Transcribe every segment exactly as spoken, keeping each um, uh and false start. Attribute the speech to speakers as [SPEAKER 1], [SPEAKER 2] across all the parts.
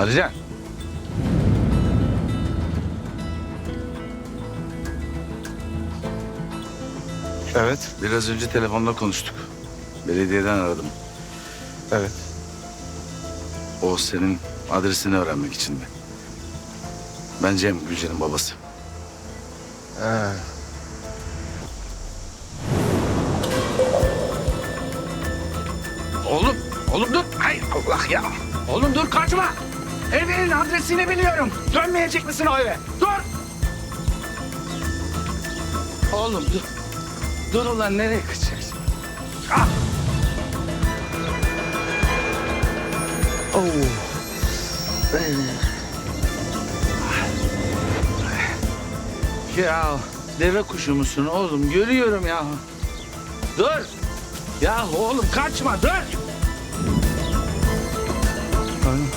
[SPEAKER 1] Alican.
[SPEAKER 2] Evet.
[SPEAKER 1] Biraz önce telefonda konuştuk. Belediyeden aradım.
[SPEAKER 2] Evet.
[SPEAKER 1] O senin adresini öğrenmek için mi? Ben Cem, Gülce'nin babası.
[SPEAKER 2] Ha.
[SPEAKER 1] Oğlum, oğlum dur. Hay Allah ya. Oğlum dur, kaçma. Evinin adresini biliyorum. Dönmeyecek misin o eve? Dur. Oğlum dur. Dur ulan, nereye kaçacaksın? Ah. Oh. Ya deve kuşu musun oğlum? Görüyorum ya. Dur. Ya oğlum kaçma, dur. Oğlum.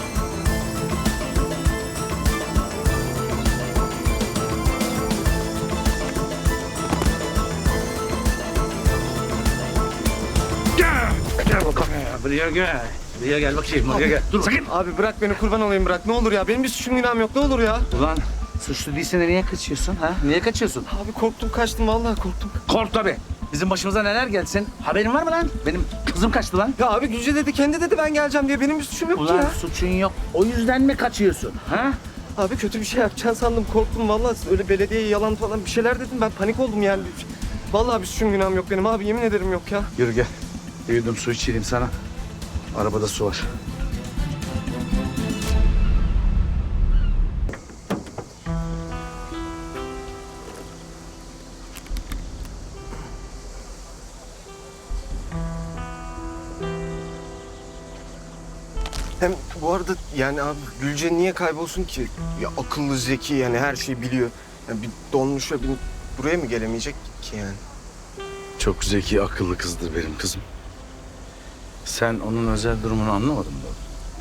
[SPEAKER 1] Gel. Gel bakalım ya. Buraya gel. Buraya gel bakayım. Buraya gel. Dur sakın.
[SPEAKER 2] Abi bırak beni, kurban olayım, bırak. Ne olur ya. Benim bir suçum günahım yok. Ne olur ya.
[SPEAKER 1] Ulan suçlu değilsen niye kaçıyorsun ha? Niye kaçıyorsun?
[SPEAKER 2] Abi korktum, kaçtım. Vallahi korktum.
[SPEAKER 1] Kork tabii. Bizim başımıza neler geldi senin? Haberin var mı lan? Benim kızım kaçtı lan.
[SPEAKER 2] Ya abi Gülce dedi, kendi dedi ben geleceğim diye. Benim bir suçum yok ki
[SPEAKER 1] Ulan
[SPEAKER 2] ya.
[SPEAKER 1] suçun yok. O yüzden mi kaçıyorsun? Ha?
[SPEAKER 2] Abi kötü bir şey yapacaksın sandım. Korktum vallahi. Öyle belediyeye yalan falan bir şeyler dedim. Ben panik oldum yani. Vallahi bir suçum günahım yok benim abi. Yemin ederim yok ya.
[SPEAKER 1] Yürü gel. Bir yudum su içireyim sana. Arabada su var.
[SPEAKER 2] Hem bu arada yani abi Gülce niye kaybolsun ki? Ya akıllı, zeki, yani her şeyi biliyor. Yani bir donmuşa binip buraya mı gelemeyecek ki yani?
[SPEAKER 1] Çok zeki, akıllı kızdır benim kızım. Sen onun özel durumunu anlamadın mı?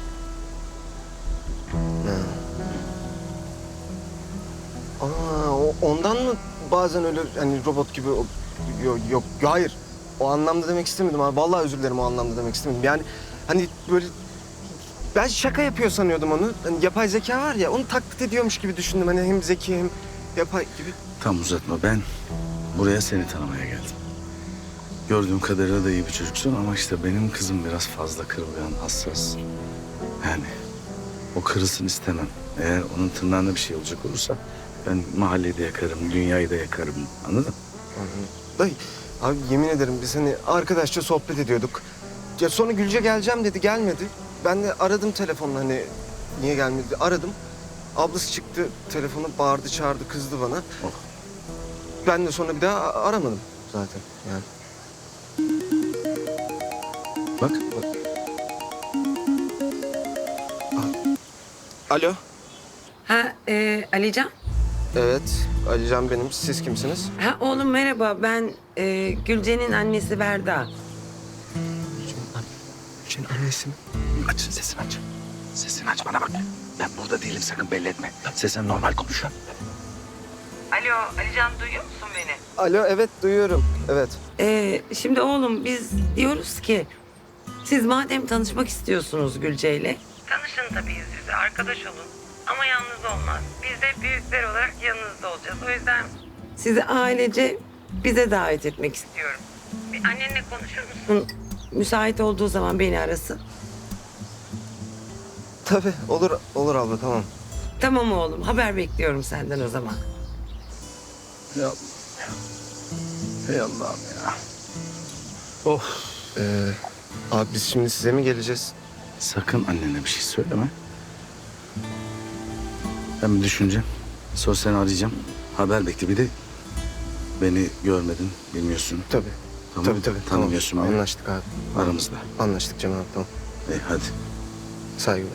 [SPEAKER 2] Aa, o- ondan mı bazen öyle hani robot gibi o- yok, yok hayır. O anlamda demek istemedim abi. Vallahi özür dilerim, o anlamda demek istemedim. Yani hani böyle ben şaka yapıyor sanıyordum onu. Hani yapay zeka var ya, onu taklit ediyormuş gibi düşündüm. Hani hem zeki hem yapay gibi.
[SPEAKER 1] Tam uzatma. Ben buraya seni tanımaya geldim. Gördüğüm kadarıyla da iyi bir çocuksun ama işte benim kızım biraz fazla kırılgan, hassas. Yani o kırılsın istemem. Eğer onun tırnağına bir şey olacak olursa ben mahalleyi de yakarım, dünyayı da yakarım. Anladın?
[SPEAKER 2] Dayı, abi yemin ederim biz hani arkadaşça sohbet ediyorduk. Ya sonra Gülce geleceğim dedi, gelmedi. Ben de aradım telefonla, hani niye gelmedi diye aradım. Ablası çıktı, telefonu bağırdı, çağırdı, kızdı bana.
[SPEAKER 1] Oh.
[SPEAKER 2] Ben de sonra bir daha a- aramadım zaten yani.
[SPEAKER 1] Bak.
[SPEAKER 2] Alo.
[SPEAKER 3] Ha e, Alican.
[SPEAKER 2] Evet, Alican benim. Siz kimsiniz?
[SPEAKER 3] Ha oğlum merhaba, ben e, Gülce'nin annesi Berda.
[SPEAKER 2] Gülce'nin annesi mi?
[SPEAKER 1] Aç sesini aç. Sesini aç, bana bak. Ben burada değilim, sakın belli etme. Sesini normal konuş.
[SPEAKER 3] Alo Alican, duyuyor musun beni?
[SPEAKER 2] Alo, evet duyuyorum. Evet.
[SPEAKER 3] E, şimdi oğlum biz diyoruz ki siz madem tanışmak istiyorsunuz Gülce'yle. Tanışın tabii yüz yüze, arkadaş olun. Ama yalnız olmaz. Biz de büyükler olarak yanınızda olacağız. O yüzden sizi ailece bize davet etmek istiyorum. Bir annenle konuşur musun? Müsait olduğu zaman beni arasın.
[SPEAKER 2] Tabii, olur, olur abla, tamam.
[SPEAKER 3] Tamam oğlum, haber bekliyorum senden o zaman.
[SPEAKER 1] Ey Allah'ım ya. Ey Allah'ım ya. Of.
[SPEAKER 2] Ee, abi biz şimdi size mi geleceğiz?
[SPEAKER 1] Sakın annene bir şey söyleme. Ben bir düşüneceğim. Sonra seni arayacağım. Haber bekle. Bir de beni görmedin, bilmiyorsun.
[SPEAKER 2] Tabii.
[SPEAKER 1] Tamam.
[SPEAKER 2] Tabii tabii.
[SPEAKER 1] Tanımıyorsun
[SPEAKER 2] tamam.
[SPEAKER 1] beni.
[SPEAKER 2] Anlaştık abi.
[SPEAKER 1] Aramızda.
[SPEAKER 2] Anlaştık Cemal abi, tamam.
[SPEAKER 1] İyi hadi.
[SPEAKER 2] Saygılar.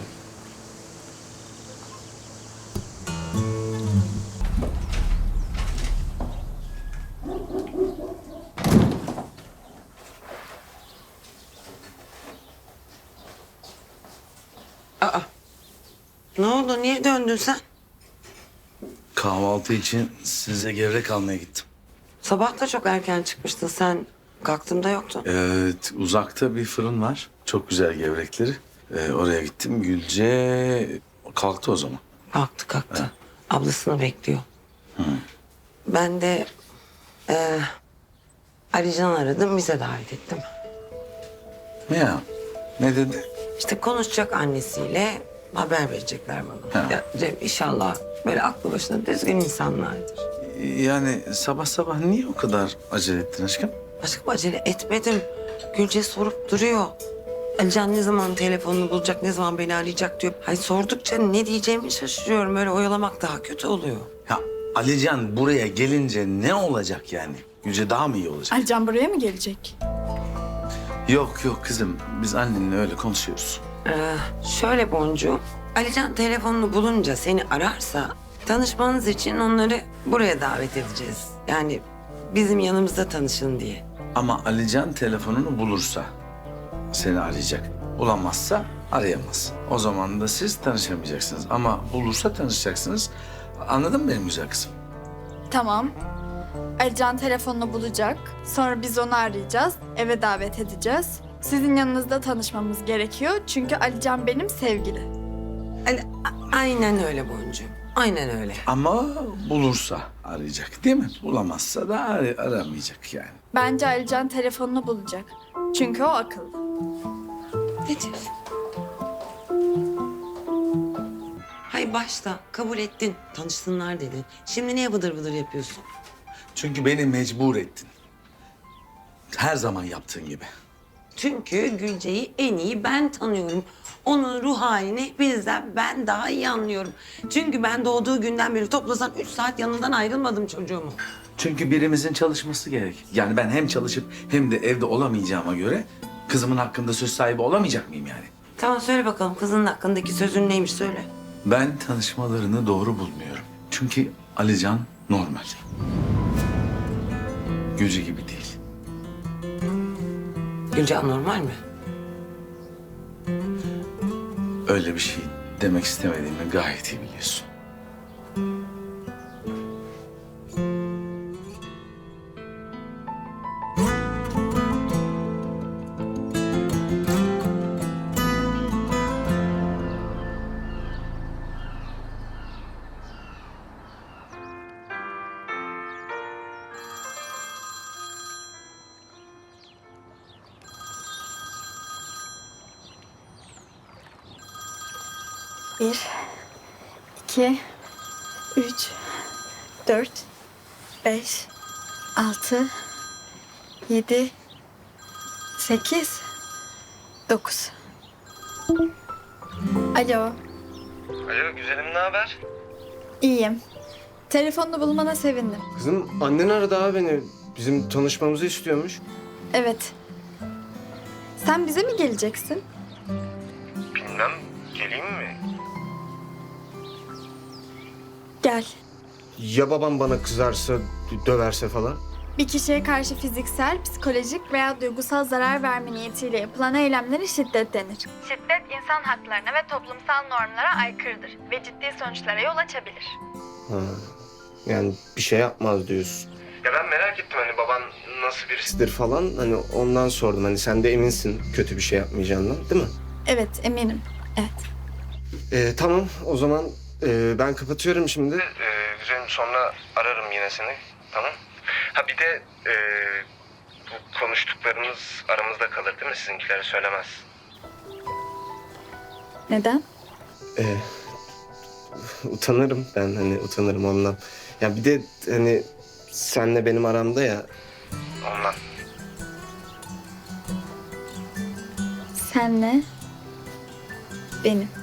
[SPEAKER 3] Ne oldu, niye döndün sen?
[SPEAKER 1] Kahvaltı için size gevrek almaya gittim.
[SPEAKER 3] Sabah da çok erken çıkmıştın sen. Kalktığımda yoktun.
[SPEAKER 1] Evet, uzakta bir fırın var. Çok güzel gevrekleri. Ee, oraya gittim. Gülce kalktı o zaman.
[SPEAKER 3] Kalktı kalktı. Ablasını bekliyor. Ben de e, Alican aradım, bize davet ettim.
[SPEAKER 1] Ne ya? Ne dedi?
[SPEAKER 3] İşte konuşacak annesiyle, haber verecekler bana.
[SPEAKER 1] Ha.
[SPEAKER 3] Ya Cem, inşallah böyle aklı başında düzgün insanlardır.
[SPEAKER 1] Yani sabah sabah niye o kadar acele ettin aşkım?
[SPEAKER 3] Aşkım acele etmedim. Gülce sorup duruyor. Alican ne zaman telefonunu bulacak, ne zaman beni arayacak diyor. Hay sordukça ne diyeceğimi şaşırıyorum. Öyle oyalamak daha kötü oluyor.
[SPEAKER 1] Ya Alican buraya gelince ne olacak yani? Gülce daha mı iyi olacak?
[SPEAKER 4] Alican buraya mı gelecek?
[SPEAKER 1] Yok yok kızım. Biz annenle öyle konuşuyoruz.
[SPEAKER 3] Ee, şöyle Boncuğum, Alican telefonunu bulunca seni ararsa tanışmanız için onları buraya davet edeceğiz. Yani bizim yanımızda tanışın diye.
[SPEAKER 1] Ama Alican telefonunu bulursa seni arayacak. Bulamazsa arayamaz. O zaman da siz tanışamayacaksınız. Ama bulursa tanışacaksınız. Anladın mı benim güzel kızım?
[SPEAKER 4] Tamam. Alican telefonunu bulacak. Sonra biz onu arayacağız. Eve davet edeceğiz. Sizin yanınızda tanışmamız gerekiyor. Çünkü Alican benim sevgili.
[SPEAKER 3] Ali, a- aynen öyle Boncuğum. Aynen öyle.
[SPEAKER 1] Ama bulursa arayacak değil mi? Bulamazsa da ar- aramayacak yani.
[SPEAKER 4] Bence Alican telefonunu bulacak. Çünkü o akıllı.
[SPEAKER 3] Ne diyorsun? Hay başta kabul ettin. Tanışsınlar dedin. Şimdi niye vıdır vıdır yapıyorsun?
[SPEAKER 1] Çünkü beni mecbur ettin. Her zaman yaptığın gibi.
[SPEAKER 3] Çünkü Gülce'yi en iyi ben tanıyorum. Onun ruh halini bizden ben daha iyi anlıyorum. Çünkü ben doğduğu günden beri toplasan üç saat yanından ayrılmadım çocuğumu.
[SPEAKER 1] Çünkü birimizin çalışması gerek. Yani ben hem çalışıp hem de evde olamayacağıma göre kızımın hakkında söz sahibi olamayacak mıyım yani?
[SPEAKER 3] Tamam söyle bakalım kızının hakkındaki sözün neymiş söyle.
[SPEAKER 1] Ben tanışmalarını doğru bulmuyorum. Çünkü Alican normal. Gülce gibi değil.
[SPEAKER 3] Gülce anormal mi?
[SPEAKER 1] Öyle bir şey demek istemediğimi gayet iyi biliyorsun.
[SPEAKER 4] Bir, iki, üç, dört, beş, altı, yedi, sekiz, dokuz. Alo,
[SPEAKER 2] Alo güzelim, ne haber?
[SPEAKER 4] iyiyim. Telefonunu bulmana sevindim.
[SPEAKER 2] Kızım annen aradı abi beni. Bizim tanışmamızı istiyormuş.
[SPEAKER 4] Evet. Sen bize mi geleceksin?
[SPEAKER 2] Bilmem, geleyim mi?
[SPEAKER 4] Gel.
[SPEAKER 2] Ya babam bana kızarsa, döverse falan?
[SPEAKER 4] Bir kişiye karşı fiziksel, psikolojik veya duygusal zarar verme niyetiyle yapılan eylemlere şiddet denir. Şiddet insan haklarına ve toplumsal normlara aykırıdır ve ciddi sonuçlara yol açabilir.
[SPEAKER 2] Ha, yani bir şey yapmaz diyorsun. Ya ben merak ettim hani baban nasıl birisidir falan. Hani ondan sordum. Hani sen de eminsin kötü bir şey yapmayacağından, değil mi?
[SPEAKER 4] Evet, eminim. Evet.
[SPEAKER 2] Ee, tamam o zaman e, ben kapatıyorum şimdi. Ee, güzelim sonra ararım yine seni. Tamam. Ha bir de e, bu konuştuklarımız aramızda kalır değil mi? Sizinkilere söylemez.
[SPEAKER 4] Neden?
[SPEAKER 2] Ee, utanırım ben hani utanırım ondan. Ya bir de hani senle benim aramda ya. Ondan.
[SPEAKER 4] Senle benim.